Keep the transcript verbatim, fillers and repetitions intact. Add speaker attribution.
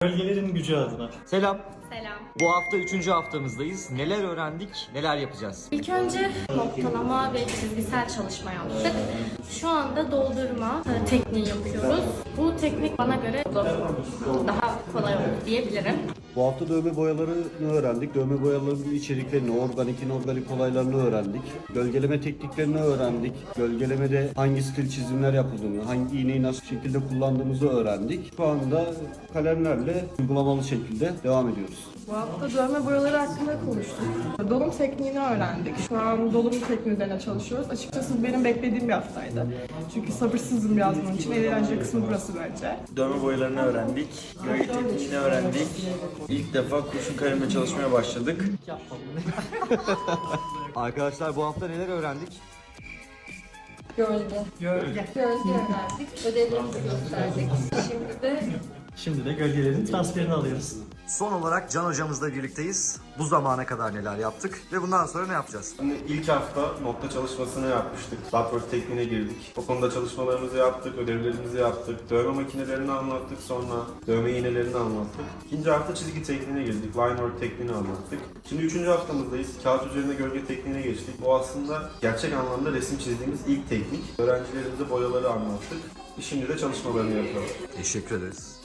Speaker 1: Gölgelerin gücü adına.
Speaker 2: Selam.
Speaker 3: Selam.
Speaker 2: Bu hafta üçüncü haftamızdayız. Neler öğrendik, neler yapacağız?
Speaker 3: İlk önce noktalama ve çizgisel çalışma yaptık. Şu anda doldurma e, tekniği yapıyoruz. Bu teknik bana göre daha kolay oldu diyebilirim.
Speaker 4: Bu hafta dövme boyalarını öğrendik. Dövme boyalarının içeriklerini, organik, inorganik olaylarını öğrendik. Gölgeleme tekniklerini öğrendik. Gölgelemede hangi stil çizimler yapıldığını, hangi iğneyi nasıl şekilde kullandığımızı öğrendik. Şu anda kalemlerle uygulamalı şekilde devam ediyoruz.
Speaker 5: Bu hafta dövme boyaları hakkında konuştuk. Dolum tekniğini öğrendik. Şu an dolum tekniği üzerine çalışıyoruz. Açıkçası bu benim beklediğim bir haftaydı. Çünkü sabırsızım biraz bunun için. En eğlenceli kısmı burası bence.
Speaker 6: Dövme boyalarını öğrendik, gölge tekniğini öğrendik. İlk defa kurşun kalemle çalışmaya başladık.
Speaker 2: Arkadaşlar bu hafta neler öğrendik?
Speaker 7: Gölge.
Speaker 1: Gölge.
Speaker 7: Gölge öğrendik. Ödevlerimizi gösterdik. Şimdi de
Speaker 1: Şimdi de gölgelerin transferini alıyoruz.
Speaker 2: Son olarak Can hocamızla birlikteyiz. Bu zamana kadar neler yaptık ve bundan sonra ne yapacağız?
Speaker 8: Şimdi ilk hafta nokta çalışmasını yapmıştık. Buttwork tekniğine girdik. O konuda çalışmalarımızı yaptık, ödevlerimizi yaptık. Dövme makinelerini anlattık, sonra dövme iğnelerini anlattık. İkinci hafta çizgi tekniğine girdik. Line work tekniğini anlattık. Şimdi üçüncü haftamızdayız. Kağıt üzerinde gölge tekniğine geçtik. O aslında gerçek anlamda resim çizdiğimiz ilk teknik. Öğrencilerimize boyaları anlattık. Şimdi de çalışmalarını yapıyoruz.
Speaker 2: Teşekkür ederiz.